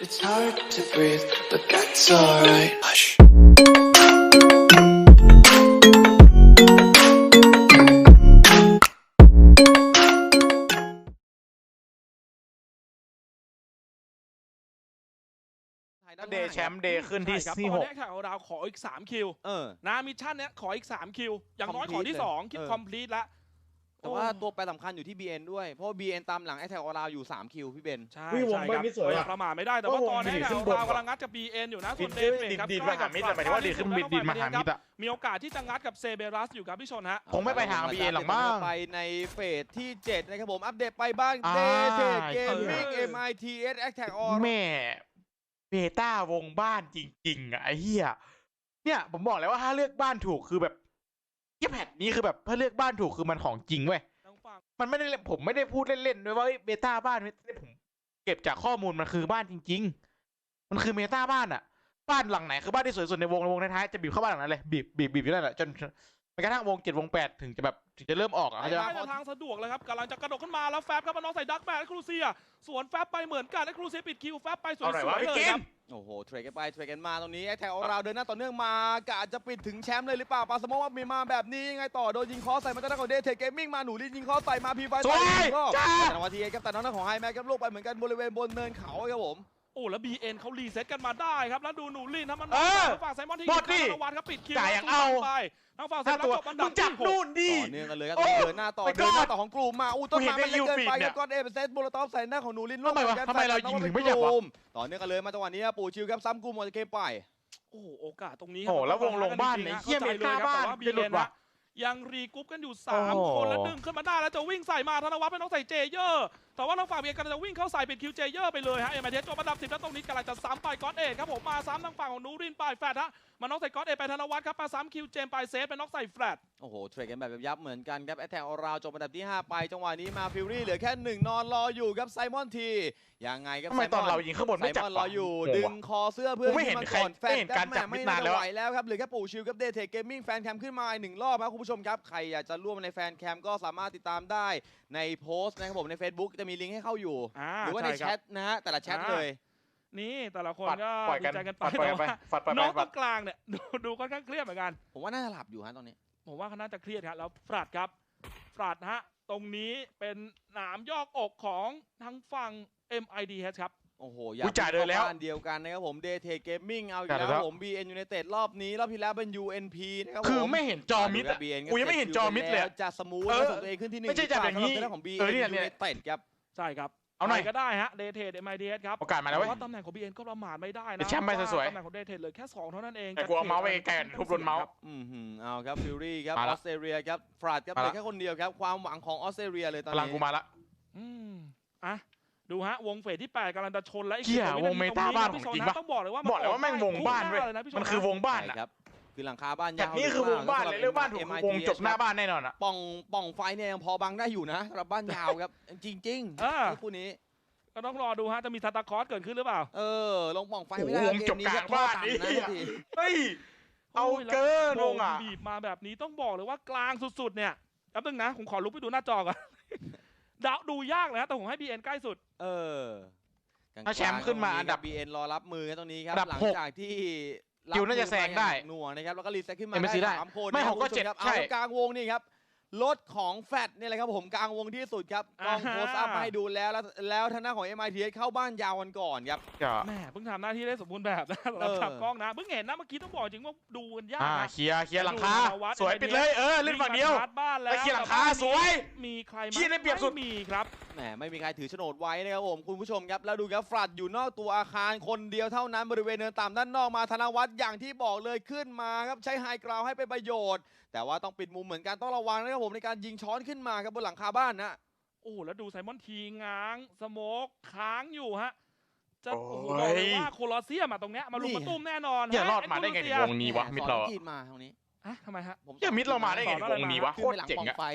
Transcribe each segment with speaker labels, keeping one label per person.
Speaker 1: It's hard to breathe, but that's alright. Hush.
Speaker 2: เดย์แชมป์เดย์ขึ้นที่
Speaker 3: ใช่ครับ
Speaker 2: ที่
Speaker 3: ตอน
Speaker 2: 6
Speaker 3: นี้ข่าวเราขออีก3คิว นะมิชชั่นเนี้ยขออีก3คิวอย่างน้อยขอที่
Speaker 4: Complete
Speaker 3: 2 คิด
Speaker 4: เลย
Speaker 3: คอมพลีทแล้ว
Speaker 4: แต่ว่าตัวแปรสำคัญอยู่ที่ BN ด้วยเพราะว่า BN ตามหลังไอแท็กออราวอยู่3คิวพี่เบน
Speaker 3: ใช่
Speaker 5: วง
Speaker 3: ใช่
Speaker 5: เบิ้
Speaker 3: ค
Speaker 5: ล
Speaker 3: รับ
Speaker 5: นี่สวย
Speaker 3: ก็
Speaker 5: ว่ะ
Speaker 3: ประมาทไม่ได้แต่ว่าตอนนี้
Speaker 5: วง
Speaker 3: ข่าว
Speaker 5: ดีขึ้นบน
Speaker 3: เรากำลังงัดกับ BN อยู่นะส่วนเด
Speaker 2: ดิ
Speaker 3: นครับ
Speaker 2: ดมาหามิดแต่หมายถึงว่าดีขึ้นมิดดิดมาหามิดอะ
Speaker 3: มีโอกาสที่จะงัดกับเซเบรัสอยู่ครับพี่ชนฮะ
Speaker 2: คงไม่ไปทาง BN หรอกมั้ง
Speaker 4: ไปในเฟสที่ 7 นะครับผม อัปเดตไปบ้าง
Speaker 2: อ่า
Speaker 4: เดเทเกมมิ่ง MITS Attack On
Speaker 2: แม่เบต้าวงบ้านจริงๆอ่ะไอ้เหี้ยเนี่ยผมบอกแล้วว่าถ้าเลือกบ้านถูกคือแบบเหี้ยแพทนี้คือแบบถ้าเลือกบ้านถูกคือมันของจริงเว้ย
Speaker 3: ทางฝั่ง
Speaker 2: มันไม่ได้ผมไม่ได้พูดเล่นๆด้วยว่าเบต้าบ้านผมเก็บจากข้อมูลมันคือบ้านจริงๆมันคือเมตาบ้านอ่ะบ้านหลังไหนคือบ้านที่สวยสุดในวงท้ายๆจะบีบเข้าบ้านหลังนั้นเลยบีบอยู่นั่นแหละจนกระทั่งวง7วง8ถึงจะเริ่มออกอ่ะเข้าใจ
Speaker 3: ได้
Speaker 2: ปะ
Speaker 3: แต่ทางสะดวกเลยครับกำลังจะกระโดดขึ้นมาแล้วแฟบครับมาน้องใส่ดักแมนและครูเซียสวนแฟบไปเหมือนกันและครูเซียปิดคิวแฟบไปสวย
Speaker 2: เอาหน่อยวะ
Speaker 3: ๆ
Speaker 2: พี่
Speaker 3: เลย
Speaker 2: กิ
Speaker 3: คน รับ
Speaker 4: โอ้โห เทรดกันไป เทรดกันมาตรงนี้ไอแท็กออราวเดินหน้าต่อเนื่องมากะจะปิดถึงแชมป์เลยหรือเปล่าปาสโมว่ามีมาแบบนี้ยังไงต่อโดนยิงคอใส่มาจากด้านของเดเทเกมมิ่งมาหนูลินยิงคอใส่มาพีไฟ
Speaker 2: สวย
Speaker 4: ก็
Speaker 2: จ้า
Speaker 4: แต่วันทีครับแต่น้องของไฮแม็กครับลูกไปเหมือนกันบริเวณบนเนินเขาครับผม
Speaker 3: โอ้แล้ว BN เขารีเซ็ตกันมาได้ครับแล้วดูหนูลินทำมัน
Speaker 2: เออ
Speaker 3: ทางฝั่งไซมอนที่
Speaker 2: หม
Speaker 3: ยิ
Speaker 2: ด
Speaker 3: ง
Speaker 2: ดิ
Speaker 3: ข้างธนวัฒน์ครับปิดคิว
Speaker 2: จ่ายอย่าง
Speaker 3: แล้ว
Speaker 2: เอา
Speaker 3: ไปทางฝั่งไซ
Speaker 2: ถ้าม
Speaker 3: อน
Speaker 2: ตัว
Speaker 3: จบอัน
Speaker 2: มึ
Speaker 3: ดับ
Speaker 2: งจับ
Speaker 3: ที่หก
Speaker 2: นู่นดิ
Speaker 4: ต่อเนื่องกันเลยครับ
Speaker 2: โอ้
Speaker 4: เดินหน้าต่อ
Speaker 2: ไปก่
Speaker 4: เดิ
Speaker 2: อน
Speaker 4: นหน้าต่อของกลุ่มมาต้นไม้มันเล็กเกินไป
Speaker 2: กูเห็นใน
Speaker 4: ครับก้อนเป็นเซตโบลตอฟใส่หน้าของหนูลิน
Speaker 2: ทำไมวะทำไมเรายิงถึงไม่จับวะ
Speaker 4: ต่อเนื่องกันเลยมาจังหวะนี้ปู่ชิวครับซ้ำกลุ่มหมดเกมไป
Speaker 3: โอ้โหโอกาสตรงนี้
Speaker 2: โอ้โห
Speaker 3: ครับ
Speaker 2: แล้ววงลงบ้านเนี่ยเหี้ย
Speaker 3: ข้ใจล
Speaker 2: เมตา
Speaker 3: ครับ
Speaker 2: บ้าน
Speaker 3: แต่ว่า
Speaker 2: จะหลุด
Speaker 3: BN
Speaker 2: ว่ะ
Speaker 3: นะยังรีกรุ๊ปกันอยู่
Speaker 2: โอ้โห
Speaker 3: 3 คนแล้วดึงขึ้นมาได้แล้วจะวิ่งใส่มาธนวัฒน์เป็นน้องใส่เจเยอร์แต่ว่าน้องฝั่ง BN กำลังจะวิ่งเข้าใส่เป็นคิวเจเยอร์ไปเลยฮะเอ็มไอเทสจบอันดับ10แล้วตรงนี้กำลังจะซ้ำไปก้อนเอกครับผมมาซ้ำทางฝั่งของนูรินไปแฟดฮะมาน้องใส่ก้อนเอกไปธนวัฒน์ครับมาซ้ำคิวเจมไปเซฟเป็นน้องใส่แฟด
Speaker 4: โอ้โห เทรดกันแบบยับเหมือนกันครับแอตแทกออราวจบอันดับที่ 5 ไปจังหวะนี้มาฟิวรี่เหลือแค่ 1 นอนรออยู่ครับไซมอนทียังไงครับ
Speaker 2: ทำไมตอนเรายิงข้างบน
Speaker 4: ไซ
Speaker 2: ไม่จับ
Speaker 4: มอนรออยู่
Speaker 2: วะ
Speaker 4: ดึงคอเสื้อเพื่อน
Speaker 2: กูไม่เห็น
Speaker 4: ขึ้า
Speaker 2: ใคร
Speaker 4: ก่อนแฟ
Speaker 2: ไม่
Speaker 4: ด
Speaker 2: เห็นการจับ
Speaker 4: ไม่
Speaker 2: มิดนานแล้ว
Speaker 4: ไหวแล้วครับเหลือแค่ปู่ชิวกับเดทเทเกมมิ่งแฟนแคมขึ้นมาอีก1 รอบครับคุณผู้ชมครับใครอยากจะร่วมในแฟนแคมก็สามารถติดตามได้ในโพสต์นะครับผมใน Facebook จะมีลิงก์ให้เข้าอยู่ หรือว่าในแชทนะฮะแต่ละแชทเลย
Speaker 3: นี่แต่ละคน
Speaker 2: ปัด
Speaker 3: ก็
Speaker 2: ปล่อย
Speaker 3: ดี
Speaker 2: กัน
Speaker 3: ใจกันไป
Speaker 2: ปัดปล่อย
Speaker 3: แต่
Speaker 2: ไป
Speaker 3: ว่า
Speaker 2: ปัดไป
Speaker 3: น้องต
Speaker 2: ปั
Speaker 3: ร
Speaker 2: ด
Speaker 3: งกลางเนี่ยดูค่อนข้างเครียดเหมือนกัน
Speaker 4: ผมว่าน่าจะหลับอยู่ฮะตอนนี้
Speaker 3: ผมว่าเขาน่าจะเครียดครับแล้วฟรัดครับฟรัดฮะตรงนี้เป็นหนามยอกอกของทางฝั่ง MIDH ครับ
Speaker 4: โอ้โห
Speaker 2: กูจ่ายเลยแล้ว
Speaker 4: บ้านเดียวกันนะครับผมเดทเทเกมมิ่งเอาอีก
Speaker 2: จ่ายเลย
Speaker 4: แล้
Speaker 2: แล้ว ว
Speaker 4: ผม BN United รอบนี้รอบที่แล้วเป็น UNP นะครับผม
Speaker 2: คือไม่เห็นจอมิดอะ
Speaker 4: BN
Speaker 2: กูยังไม่เห็นจอมิดเลยอะ
Speaker 4: จะสมูท
Speaker 2: เออ
Speaker 4: และส่งตัวเองขึ้นที่หนึ่ง
Speaker 2: ไม่ใช่จับอย่างนี้
Speaker 4: นี้ของ BN
Speaker 2: เออเนี่ย
Speaker 4: United ครับ
Speaker 3: ใช่ครับ
Speaker 2: เอาหน่อย
Speaker 3: ใครก็ได้ฮะเดทเทด MIDH ครับ
Speaker 2: โอกาสมาแล้วเว้ย
Speaker 3: ว่าตำแหน่งของ BN ก็ประมาทไม่ได้
Speaker 2: เดี๋
Speaker 3: นะ
Speaker 2: ยวแชมป์ไปสวยๆ
Speaker 3: ตำแหน่งของเดทเทดเหลือแค่2เท่านั้นเอง
Speaker 2: แต่กูเอาเมาส์ไปไกลๆทุบโดนเมาส์
Speaker 4: เอาครับฟิวรี่ครับ
Speaker 2: มา
Speaker 4: อ
Speaker 2: ละ
Speaker 4: อสเตรเลียครับฟราดครับ
Speaker 2: มา
Speaker 4: เหลื
Speaker 2: ละ
Speaker 4: อแค่คนเดียวครับความหวังของออสเตรเลียเลยตอน
Speaker 2: พลัง
Speaker 4: นี้
Speaker 2: กูมาละ
Speaker 3: อืมอ่ะดูฮะวงเฟสที่ 8กำลังจะชนแล้วอีก
Speaker 2: เหี้ย
Speaker 3: 10
Speaker 2: วงเมตาบ้านของจริงปะ
Speaker 3: ต้องบอกเลยว่า
Speaker 2: บอกเลยว่าแม่งวงบ้านเว้ย
Speaker 3: ออกได้ทุกหน้าลยะพี่ช
Speaker 2: มันคือวงบ้าน
Speaker 4: ใช่
Speaker 2: อะ
Speaker 4: ครับคือหลังคาบ้าน
Speaker 2: แต่
Speaker 4: ยาว
Speaker 2: นี่คือวงบ้านเลยเรื่องบ้านถูก
Speaker 4: MITH
Speaker 2: วงจบหน้าบ้านแน่นอนอะ
Speaker 4: ป่องไฟเนี่ยยังพอบังได้อยู่นะสำหรับบ้านยาวครับ จริงๆคู่นี้
Speaker 3: ก็ต้องรอดูฮะจะมีซานตาคลอสเกิดขึ้นหรือเปล่า
Speaker 4: ลงป่องไฟไม่ได้
Speaker 2: โอ้โหวงจบกลางบ้าน
Speaker 4: เกมนี้
Speaker 2: นี่
Speaker 4: ก็โทษต่ำนะที
Speaker 2: เฮ้ยเอาเกินวงอะ
Speaker 3: บีบมาแบบนี้ต้องบอกเลยว่ากลางสุดๆเนี่ยแป๊บนึงนะผมขอลุกไปดูหน้าจอก่อน ดูยากเลยฮะแต่ผมให้ BN ใกล้สุด
Speaker 2: ถ้าแชมป์ขึ้นมาอันดับ
Speaker 4: BN รอรับมือกันตรงนี้ครับ
Speaker 2: อันดับ
Speaker 4: หลัง
Speaker 2: หก
Speaker 4: จากที่
Speaker 2: คิวน่าจะแซงได้
Speaker 4: หน่วงนะครับแล้วก็รีเซ็ตขึ้นมา
Speaker 2: MSC ได้
Speaker 4: 3 คน
Speaker 2: ไม่
Speaker 4: นะครับ
Speaker 2: 6ก็
Speaker 4: คุณผู้ช
Speaker 2: 7
Speaker 4: ครับ
Speaker 2: ใช่
Speaker 4: เอากลางวงนี่ครับรถของแฟดนี่แหละครับผมกลางวงที่สุดครับกล้องโพสต์อัพมาให้ดูแล้วทางหน้าของ MITH เข้าบ้านยาวกันก่อนครับ
Speaker 3: แม่เพิ่งทำหน้าที่ได้สมบูรณ์แบบนะสำหรับขับกล้องนะเพิ่งเห็นนะเมื่อกี้ต้องบอกจริงว่าดูกันยากนะ
Speaker 2: เคลียร์หลังคาสวยปิดเลยเล่นฝั่งเดียว
Speaker 3: วิ่มาชาร์จบ้านแล้ว
Speaker 2: ไปเคลียร์หลังคาสวย
Speaker 3: มีใคร
Speaker 2: เหี้ยได้เปรียบสุด
Speaker 3: ไม่มีครับ
Speaker 4: แหมไม่มีใครถือโฉนดไว้นะครับผมคุณผู้ชมครับแล้วดูครับฟลัดอยู่นอกตัวอาคารคนเดียวเท่านั้นบริเวณเนินต่ำด้านนอกมาธนวัฒน์อย่างที่บอกเลยขึ้นมาครับใช้ไฮกราวให้เป็นประโยชน์ แต่ว่าต้องปิดมุมเหมือนกันต้องระวังนะครับผมในการยิงช้อนขึ้นมาครับบนหลังคาบ้านนะ
Speaker 3: โอ้แล้วดูไซมอนทีง้างสโมกค้างอยู่ฮะจะ
Speaker 2: โอ้
Speaker 3: โอ้
Speaker 2: ย
Speaker 3: โหบอกเลยว่าโคลอเซียมอะตรงเนี้ยมาลุมมาตุ้มแน่นอน
Speaker 2: อย่ารอดมาได้ไงถึงวงนี้วะมิดเรา
Speaker 4: สอนจีนมาตรงนี้
Speaker 3: ทำไมฮะ
Speaker 4: ผม
Speaker 2: อย่ามิดเรามาได้ไงถึงวงนี้วะโคตรเจ๋งอะ
Speaker 4: ไป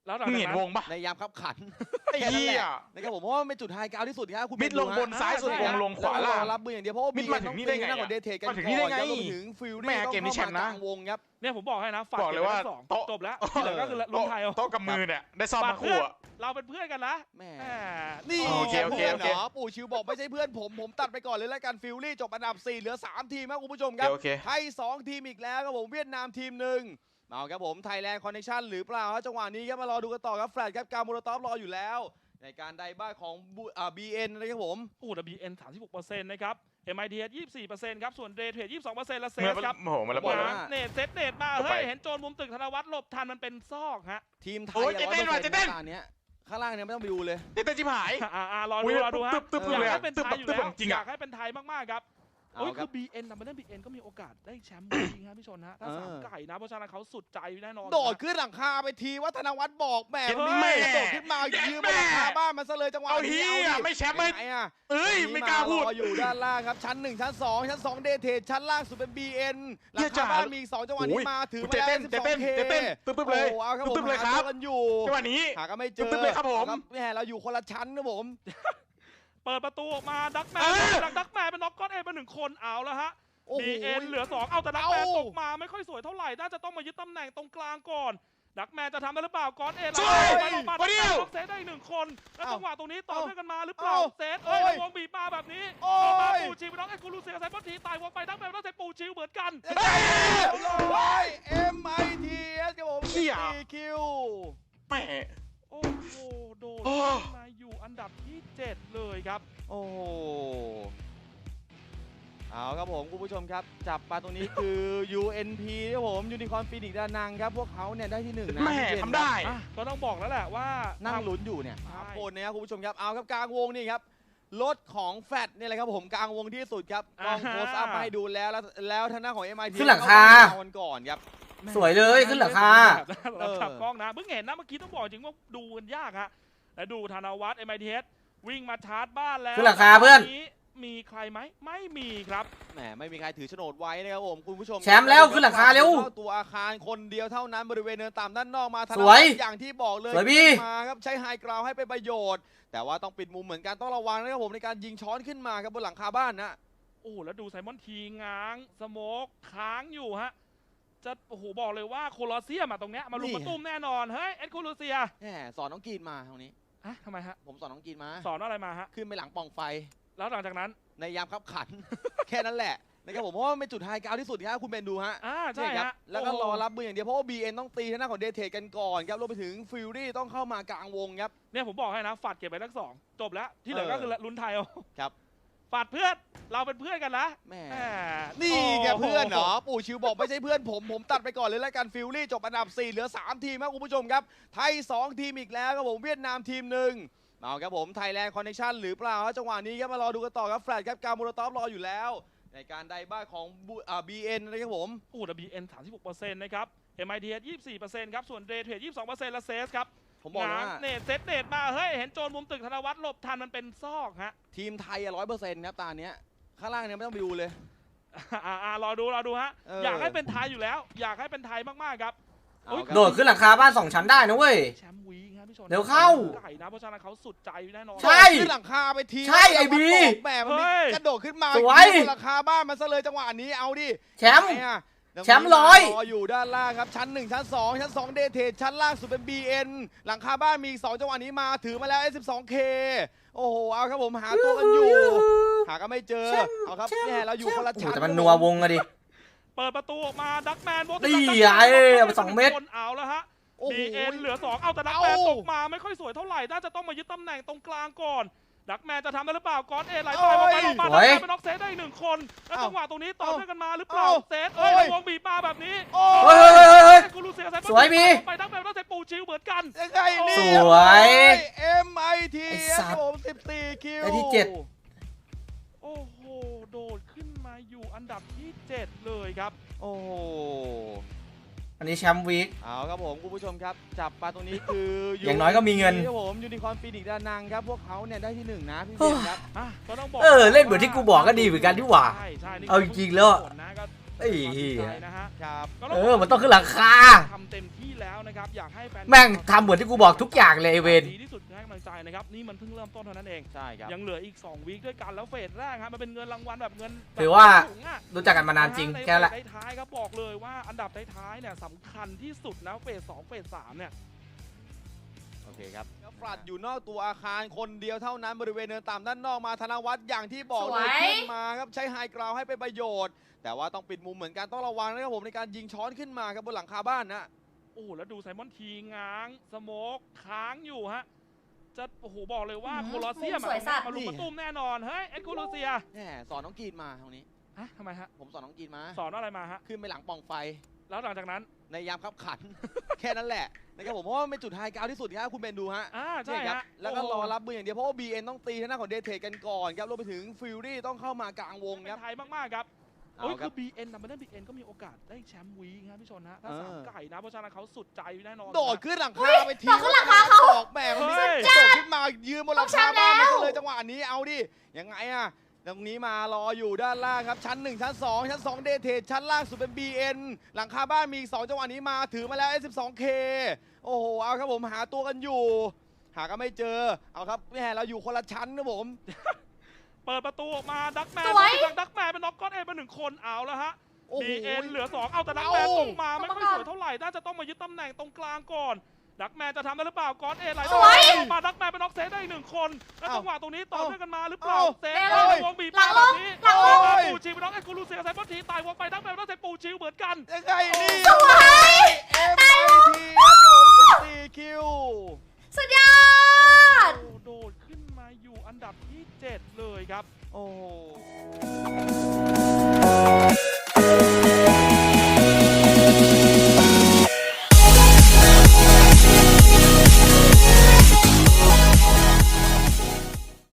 Speaker 3: แล้วหลัง
Speaker 2: มึง
Speaker 3: จาก
Speaker 2: เห็น
Speaker 3: นั้น
Speaker 2: วงปะ
Speaker 4: ในยามคับขัน
Speaker 2: ไอ้เหี้ย
Speaker 4: นะครับผมเพราะว่ามันเป็นจุดไฮกราวด์ที่สุดครับคุณ
Speaker 2: มิดลงบนซ้ายสุดวงลงขวาล่าง
Speaker 4: รับมืออย่างเดียวเพราะว่า
Speaker 2: มิดมาถึงนี่ได้ไง
Speaker 4: ต้องตีหน้าของเดทเทกัน
Speaker 2: มาถึงนี่ได้ไง
Speaker 4: ก่อแล้วรวมถึงฟิล
Speaker 2: แม่
Speaker 4: ลี่ต้อง
Speaker 2: เกมนี้แช
Speaker 4: เข้าม
Speaker 2: ป์
Speaker 4: มาก
Speaker 2: นะ
Speaker 4: ลางวงครับ
Speaker 3: เนี่ยผมบอกให้นะฝาก
Speaker 2: บอกเลยว่า
Speaker 3: ก็บไทั้งสอง
Speaker 2: โต๊ะ
Speaker 3: จบแล้วที่เหลือก็คือลุ้นไทยเอา
Speaker 2: โต๊ะกับมือเนี่ยได้ซ่อมมาคู่อะ
Speaker 3: เราเป็นเพื่อนกันนะ
Speaker 4: แม่
Speaker 3: แหม
Speaker 4: นี่
Speaker 2: โอเคโอเค
Speaker 4: พื่น
Speaker 2: โอเค
Speaker 4: หรปู่ชิวบอกไม่ใช่เพื่อนผมตัดไปก่อนเลยแล้วกันฟิลลี่จบอันดับ 4 เหลือ 3 ทีมครับคุณผู้ชมครับ
Speaker 2: โอเค
Speaker 4: ไทย 2 ทีมอีกแล้วครับผมเวียดนามทีมหนึ่งเอาครับผมไทยแลนด์คอนเนคชั่นหรือเปล่าครับจังหวะนี้ครับมารอดูกันต่อครับแฟลตครับการมูลตอฟรออยู่แล้ว ในการไดบ้าของBN นะครับผม
Speaker 3: โอ้ WN 36%นะครับ MITS 24%ครับส่วนเดย์เทรด22%และเซ
Speaker 2: เมื่อ
Speaker 3: สครับ
Speaker 2: โอ้โหมันระเบิด
Speaker 4: บอก
Speaker 2: แล้ว
Speaker 4: ว่า
Speaker 3: เนตเซตเนตมา
Speaker 2: เข้าไป
Speaker 3: เฮ้ยเห็นโจรมุมตึกธนวัฒน์หลบทันมันเป็นซอกฮะ
Speaker 4: ทีมไท
Speaker 2: โอ้
Speaker 4: ย
Speaker 2: ยจะเต้นว่ะจะเต้น
Speaker 4: ตอนเนี้ยข้างล่างเนี่ยไม่ต้องไปดูเลย
Speaker 2: เต้นชิบหาย
Speaker 3: รอ
Speaker 2: อุ๊
Speaker 3: ดู
Speaker 2: ย
Speaker 3: รอดูฮะ
Speaker 2: ตึ๊บๆ
Speaker 3: อยาก
Speaker 2: เลยอะ
Speaker 3: ให้เป็นไทยอยู่
Speaker 2: ตึ๊บ
Speaker 3: แล้ว
Speaker 2: ๆจริง
Speaker 3: อ
Speaker 2: อะ
Speaker 3: ยากให้เป็นไทยมากๆครับ
Speaker 4: เอา
Speaker 3: โอ้ย
Speaker 4: ค
Speaker 3: คื
Speaker 4: รับ
Speaker 3: อ BN ดับเบิลเ BN ก็มีโอกาสได้แชมป์จริงครับพี่ชนฮะถ้าสามไก่นะเพราะฉะนั้นเขาสุดใจแน่นอน
Speaker 4: โดดขึ้นหลังคาไปทีว่าธนวัฒน์บอกแหม
Speaker 2: เจ็ด
Speaker 4: มัน
Speaker 2: แม่
Speaker 4: มีโดดขึ้นมายืมบนหลังคาบ้านมันซะเลยจังหวะ
Speaker 2: เอา
Speaker 4: นี้
Speaker 2: เฮีย
Speaker 4: ดิ
Speaker 2: ไม่แชมป์ไม่
Speaker 4: เป็นไงอ่ะ
Speaker 2: เอ้ยไม่กล้าพูด
Speaker 4: รออยู่ด้านล่างครับชั้น 1 ชั้น 2 ชั้น 2 เดทเทรดชั้นล่างสุดเป็น BN หลังคาบ้านมีอีก2จังหวะนี้มาถือ
Speaker 2: เต้นเต้น
Speaker 4: มา
Speaker 2: เต้น
Speaker 4: 12K
Speaker 2: เต้นตึ๊บๆเลย
Speaker 4: โอ้เอาครับผม
Speaker 2: ตึ๊บๆเลย
Speaker 4: หา
Speaker 2: ครับ
Speaker 4: ตัวกันอยู่
Speaker 2: จังหวะนี้
Speaker 4: หาก็ไม่เจอ
Speaker 2: ตึ๊บๆเลยครับผม
Speaker 4: แหมเราอยู่คนละชั้นนะผม
Speaker 3: เปิดประตูออกมาดักแมน
Speaker 2: เออ
Speaker 3: หลังดักแมนเป็นน็อกก้อนเอเป็น1คนเอาแล้วฮะ
Speaker 4: โอ้โห
Speaker 3: BN เหลือ 2 เอาแต่ดักแมน
Speaker 4: เอา
Speaker 3: ตกมาไม่ค่อยสวยเท่าไหร่ น่าจะต้องมายึดตำแหน่งตรงกลางก่อน ดักแมนจะทำได้หรือเปล่าก้อนเอ
Speaker 2: สวย
Speaker 3: ลงมา
Speaker 2: วันเดียว
Speaker 3: ล็อกเซตได้อีก1 คน แล้ว
Speaker 4: เอ้า
Speaker 3: จังหวะตรงนี้ต่อ
Speaker 4: เอ้า
Speaker 3: เนื่องกันมาหรือเปล่า
Speaker 4: เอ้า
Speaker 3: เซตเอ้ย
Speaker 4: โอ้ย
Speaker 3: แล้ววงบีบมาแบบนี้
Speaker 4: โอ้
Speaker 3: ออกมาย ปูชิวน้องเอ็กซ์คูลูเซียไซบอนทีตายวงไปดักแมนต้องใช้ปูชิวเหมือนกัน
Speaker 4: เฮ้ย MITS ครับผม
Speaker 2: เหี้ย
Speaker 4: 14 คิว
Speaker 2: แหม่
Speaker 3: โอ้โหโดด
Speaker 2: โอ้
Speaker 3: ขึ้นมาอยู่อันดับที่ 7 เลยครับ
Speaker 4: โอ้โหเอาครับผมคุณผู้ชมครับ จับปลาตรงนี้คือ UNP ครับผมยูนิคอร์นฟีนิกซ์ดานังครับพวกเขาเนี่ยได้ที่ 1 นะ
Speaker 2: แหม่
Speaker 4: พี่เจน
Speaker 2: ทำได้
Speaker 3: อ่ะก็ต้องบอกแล้วแหละว่า
Speaker 4: นั่งลุ้นอยู่เนี่ย
Speaker 3: ใช่
Speaker 4: 3 คนนะครับคุณผู้ชมครับเอาครับกลางวงนี่ครับรถของแฟดนี่แหละครับผมกลางวงที่สุดครับกล้องโพสต์อัพมาให้ดูแล้วทางด้านของ MIT
Speaker 5: ขึ้นหลังคา
Speaker 4: เอวันก่อนครับ
Speaker 5: สวยเลยขึ้นหลังคา
Speaker 3: เราขับกล้องนะเพิ่งเห็นนะเมื่อกี้ต้องบอกจริงว่าดูกันยากฮะแล้วดูธนวัฒน์ MITS วิ่งมาชาร์จบ้านแล้ว
Speaker 5: ขึ้นหลังคาเพื่อน
Speaker 3: มีใครไหมไม่มีครับ
Speaker 4: แหมไม่มีใครถือโฉนดไว้นะครับผมคุณผู้ชม
Speaker 5: แชมป์แล้วขึ้นหลังคาเร็ว
Speaker 4: ข้ตัวอาคารคนเดียวเท่านั้นบริเวณเนินต่ำด้านนอกมาธน
Speaker 5: สวย
Speaker 4: อย่างที่บอกเลย
Speaker 5: สวยพี่
Speaker 4: มาครับใช้ไฮกราวให้เป็นประโยชน์ แต่ว่าต้องปิดมุมเหมือนกันต้องระวังนะครับผมในการยิงช้อนขึ้นมาครับบนหลังคาบ้านนะ
Speaker 3: โอ้แล้วดูไซมอนทีง้างสโมกค้างอยู่ฮะจะโอ้โหบอกเลยว่าโคลอสเซียมอะตรงเนี้ยมาลุมมาตุ้มแน่นอนเฮ้ยเอ็ดโคลูเซีย
Speaker 4: แหมสอนน้องกรีนมาตรงนี้
Speaker 3: อะทำไมฮะ
Speaker 4: ผมสอนน้องกรีนมา
Speaker 3: สอนอะไรมาฮะ
Speaker 4: ขึ้นไปหลังปล่องไฟ
Speaker 3: แล้วหลังจากนั้น
Speaker 4: ในยามขับขัน แค่นั้นแหละนะครับผมเพราะว่ามันเป็นจุดไฮกราวด์ที่สุดครับคุณเบนดูฮะ
Speaker 3: ใช่
Speaker 4: นี่ครับ
Speaker 3: ฮะ
Speaker 4: แล้วก็
Speaker 3: โโห
Speaker 4: รอรับมืออย่างเดียวเพราะว่า BN ต้องตีทางด้านของเดทเทรดกันก่อนครับรวมไปถึงฟิลลี่ต้องเข้ามากลางวงครับ
Speaker 3: เนี่ยผมบอกให้นะฝัดเก็บไปทั้ง 2จบแล้วที่เหลือก็คือลุ้นไทยเอา
Speaker 4: ครับ
Speaker 3: ฝัดเพื่อนเราเป็นเพื่อนกันนะ
Speaker 4: แหม่
Speaker 3: แหม
Speaker 4: นี่แก
Speaker 3: โโห
Speaker 4: เพื่อนเหรอปู่ชิวบอกไม่ใช่เพื่อนผมตัดไปก่อนเลยแล้วกันฟิลลี่จบอันดับ 4 เหลือ 3 ทีมครับคุณผู้ชมครับไทย 2 ทีมอีกแล้วครับผมเวียดนามทีมหนึ่งเอาครับผมไทยแลนด์คอนเนคชั่นหรือเปล่าครับจังหวะนี้ครับมารอดูกันต่อครับแฟลตครับการมูลตอฟรออยู่แล้ว ในการไดบ้าของBN นะครับผม
Speaker 3: โอ้ WN 36%นะครับ MITS 24%ครับส่วนเดย์เทรด22%และเซสครับ
Speaker 4: ผมบอกเลยว่า
Speaker 3: เนตเซตเนตมาเฮ้ยเห็นโจรมุมตึกธนวัฒน์หลบทันมันเป็นซอกฮะ
Speaker 4: ทีมไทย100%ครับตาเนี้ยข้างล่างเนี่ยไม่ต้องไปดูเลย
Speaker 3: รอดูฮะ
Speaker 4: เอออ
Speaker 3: อยากให้เป็นไทยอยู่แล้ว อยากให้เป็นไทยมากๆครับ
Speaker 4: เอาครับ
Speaker 5: โดดขึ้นหลังคาบ้าน2 ชั้นได้นะเว้ย
Speaker 3: แชมป์วีครับพี่ชน
Speaker 5: เร็วเข้า
Speaker 3: ไก่นะเพราะฉะนั้นเขาสุดใจแน่นอน
Speaker 5: ใช่
Speaker 4: ขึ้นหลังคาไปที
Speaker 5: ใช่ไอ้บี
Speaker 4: แหมมันมี
Speaker 3: เฮ้ย
Speaker 4: กระโดดขึ้นมา
Speaker 5: สวย
Speaker 4: ยิงบนหลังคาบ้านมันซะเลยจังหวะนี้เอาดิ
Speaker 5: แชมป์
Speaker 4: ไหนอะ
Speaker 5: แชมป์ร้อย
Speaker 4: รออยู่ด้านล่างครับชั้น 1 ชั้น 2 ชั้น 2 เดทเทรดชั้นล่างสุดเป็น BN หลังคาบ้านมีอีก2จังหวะนี้มาถือมาแล้ว S12K โอ้โหเอาครับผมหาตัวกันอยู่ หาก็ไม่เจอ
Speaker 5: แชมป์
Speaker 4: เอาครับ
Speaker 5: แชมป์
Speaker 4: แน่เราอยู่คนละ
Speaker 5: โอ้โห
Speaker 4: ชั้น
Speaker 5: แต่มันนัววงอะดิ
Speaker 3: เปิดประตูออกมาดักแมน
Speaker 5: นี่ไงเอาไป2 เม็ด
Speaker 3: คนเอาแล้วฮะ
Speaker 4: โอ้โห
Speaker 3: BN เหลือ 2 เอาแต่ดักแมน
Speaker 4: เอ้า
Speaker 3: ตกมาไม่ค่อยสวยเท่าไหร่ น่าจะต้องมายึดตำแหน่งตรงกลางก่อน ดักแมนจะทำได้หรือเปล่าก้อนเอไหลไป
Speaker 4: โอ้
Speaker 3: มาย ลงมา
Speaker 5: ส
Speaker 3: ดั
Speaker 5: วย
Speaker 3: กแมนเป็นน็อกเซตได้อีก1 คน แล้ว
Speaker 4: เอ้า
Speaker 3: จังหวะตรงนี้ต่อ
Speaker 4: เอ้า
Speaker 3: เนื่องกันมาหรือเปล่า
Speaker 4: เอ้า
Speaker 3: เซตเอ้ย
Speaker 4: โอ้ย
Speaker 3: แล้ววงบีบมาแบบนี้
Speaker 4: โอ้
Speaker 5: เฮ้ยเฮ้ย
Speaker 3: กูรูเซียไซบอน
Speaker 5: สวยพี่
Speaker 3: ไปดักแมนต้องใช้ปูชิวเหมือนกัน
Speaker 4: ยังไงนี่
Speaker 5: สวย
Speaker 4: MIT
Speaker 5: ไอ้
Speaker 4: ค
Speaker 5: สั
Speaker 4: รับ
Speaker 5: ตว์
Speaker 4: ผม14 คิว
Speaker 5: ได้ที่
Speaker 3: โอ้โหโดดขึ้นมาอยู่อันดับที่ 7 เลยครับ
Speaker 4: โอ้โห
Speaker 5: อันนี้แชมป์วีค
Speaker 4: เอาครับผมคุณผู้ชมครับ จับปลาตรงนี้คือ
Speaker 5: อย่างน้อยก็มีเงิน
Speaker 4: ครับผมยูนิคอร์นฟีนิกซ์ดานังครับพวกเขาเนี่ยได้ที่ 1 นะพี่เบนครับ
Speaker 3: ก็ต้องบอก
Speaker 5: เล่นเหมือนที่กูบอกก็ดีเหมือนกันที่หว่า
Speaker 3: ใช่นี่
Speaker 5: เอาจริงๆแล้ว
Speaker 3: ผลนะก็
Speaker 5: ไอ้เหี้ย
Speaker 3: นะฮะ
Speaker 4: ครับ
Speaker 5: มันต้องขึ้นหลังคา
Speaker 3: ทำเต็มที่แล้วนะครับอยากให้แฟน
Speaker 5: แม่งทำเหมือนที่กูบอกทุกอย่างเลยไอ้เวร
Speaker 3: ดีที่สุดให้กำลังใจนะครับนี่มันเพิ่งเริ่มต้นเท่านั้นเอง
Speaker 4: ใช่ครับ
Speaker 3: ยังเหลืออีก2วีคด้วยกันแล้วเฟสแรกครับมันเป็นเงินรางวัลแบบเงิน
Speaker 5: ถือว่า
Speaker 3: สูงอะ
Speaker 5: รู้จักกันมานานจริง
Speaker 3: ใน
Speaker 5: แค่นั้นแหละ
Speaker 3: เฟสท้ายๆครับบอกเลยว่าอันดับท้ายๆเนี่ยสำคัญที่สุดนะเฟส2เฟส3เนี่ย
Speaker 4: โอเคครับฟลัดอยู่นอกตัวอาคารคนเดียวเท่านั้นบริเวณเนินต่ำด้านนอกมาธนวัฒน์อย่างที่บอกเลย
Speaker 6: สวย
Speaker 4: ขึ้นมาครับใช้ไฮกราวให้เป็นประโยชน์ แต่ว่าต้องปิดมุมเหมือนกันต้องระวังนะครับผมในการยิงช้อนขึ้นมาครับบนหลังคาบ้านนะ
Speaker 3: โอ้โหแล้วดูไซมอนทีง้างสโมกค้างอยู่ฮะจะโอ้โหบอกเลยว่า
Speaker 6: อืม
Speaker 3: โคลอสเซียม
Speaker 6: มุมสวยสัตว์
Speaker 3: มาลุมมาตุ้มแน่นอนเฮ้ยเอ็ดโคลอสเซีย
Speaker 4: แหมสอนน้องกรีนมาตรงนี้
Speaker 3: ฮะทำไมฮะ
Speaker 4: ผมสอนน้องกรีนมา
Speaker 3: สอนอะไรมาฮะ
Speaker 4: ขึ้นไปหลังปล่องไฟ
Speaker 3: แล้วหลังจากนั้น
Speaker 4: ในยามขับขัน แค่นั้นแหละนะครับผมเพราะว่ามันเป็นจุดไฮกราวที่สุดครับคุณเบนดูฮะ
Speaker 3: ใช่
Speaker 4: นี่ครับ
Speaker 3: ฮะ
Speaker 4: แล้วก็
Speaker 3: โโห
Speaker 4: รอรับมืออย่างเดียวเพราะว่า BN ต้องตีทางหน้าของเดทเทรดกันก่อนครับรวมไปถึงฟิลลี่ต้องเข้ามากลางวง
Speaker 3: เป็
Speaker 4: ครับ
Speaker 3: นไทยมากๆครับ
Speaker 4: เอา
Speaker 3: โอ้ย
Speaker 4: ครั
Speaker 3: คื
Speaker 4: บ
Speaker 3: อ BN นะมันเล่น BN ก็มีโอกาสได้แชมป์วีคครับพี่ชนฮะถ้า
Speaker 4: เออ
Speaker 3: สามไก่นะเพราะฉะนั้นเขาสุดใจแน่นอน
Speaker 4: โดด
Speaker 3: นะ
Speaker 4: ขึ้นหลังคาไปที
Speaker 6: โดดขึ้นหลังคาเขา
Speaker 4: บอกแหม่เขามี
Speaker 3: เฮ้ย
Speaker 4: โดดขึ้นมายืนบนหลังคาบ้านมันก็เลยจังหวะนี้เอาดิยังไงอะตรงนี้มารออยู่ด้านล่างครับชั้น 1 ชั้น 2 ชั้น 2 เดทเทรดชั้นล่างสุดเป็น BN หลังคาบ้านมีอีก2จังหวะนี้มาถือมาแล้ว S12K โอ้โหเอาครับผมหาตัวกันอยู่ หาก็ไม่เจอเอาครับแหมเราอยู่คนละชั้นนะผม
Speaker 3: เปิดประตูออกมาดักแมน
Speaker 6: สวย
Speaker 3: ดักแมนเป็นน็อกก้อนเอ็นไป1คนเอาแล้วฮะ
Speaker 4: โอ้โห
Speaker 3: BN เหลือ2เอาแต่ดักแมน
Speaker 4: เอ้า
Speaker 3: ตรงมาไม่
Speaker 6: เข้า
Speaker 3: ค่อย
Speaker 6: มาก่อน
Speaker 3: สวยเท่าไหร่น่าจะต้องมายึดตำแหน่งตรงกลางก่อนดักแมนจะทำได้หรือเปล่าก้อนเอ็นไหล
Speaker 6: สวย
Speaker 3: ออกมาดักแมนเป็นน็อกเซฟได้อีก1คนแล้ว
Speaker 4: เอ้า
Speaker 3: จังหวะตรงนี้ต่อเนื่องกันมาหรือเปล่า
Speaker 4: เอ้า
Speaker 3: เซฟ
Speaker 6: เร็ว
Speaker 3: ในวงบีบ
Speaker 6: หลังล
Speaker 3: แบบ
Speaker 6: ง
Speaker 3: นี้
Speaker 6: หลังลง
Speaker 3: มาปูชิวเป็นน็อกเอ็นกูรูเซียไซมอนทีตายวงไปดักแมนเป็นน็อกเซฟปูชิวเหมือนกัน
Speaker 4: ยังไงนี่
Speaker 6: สวย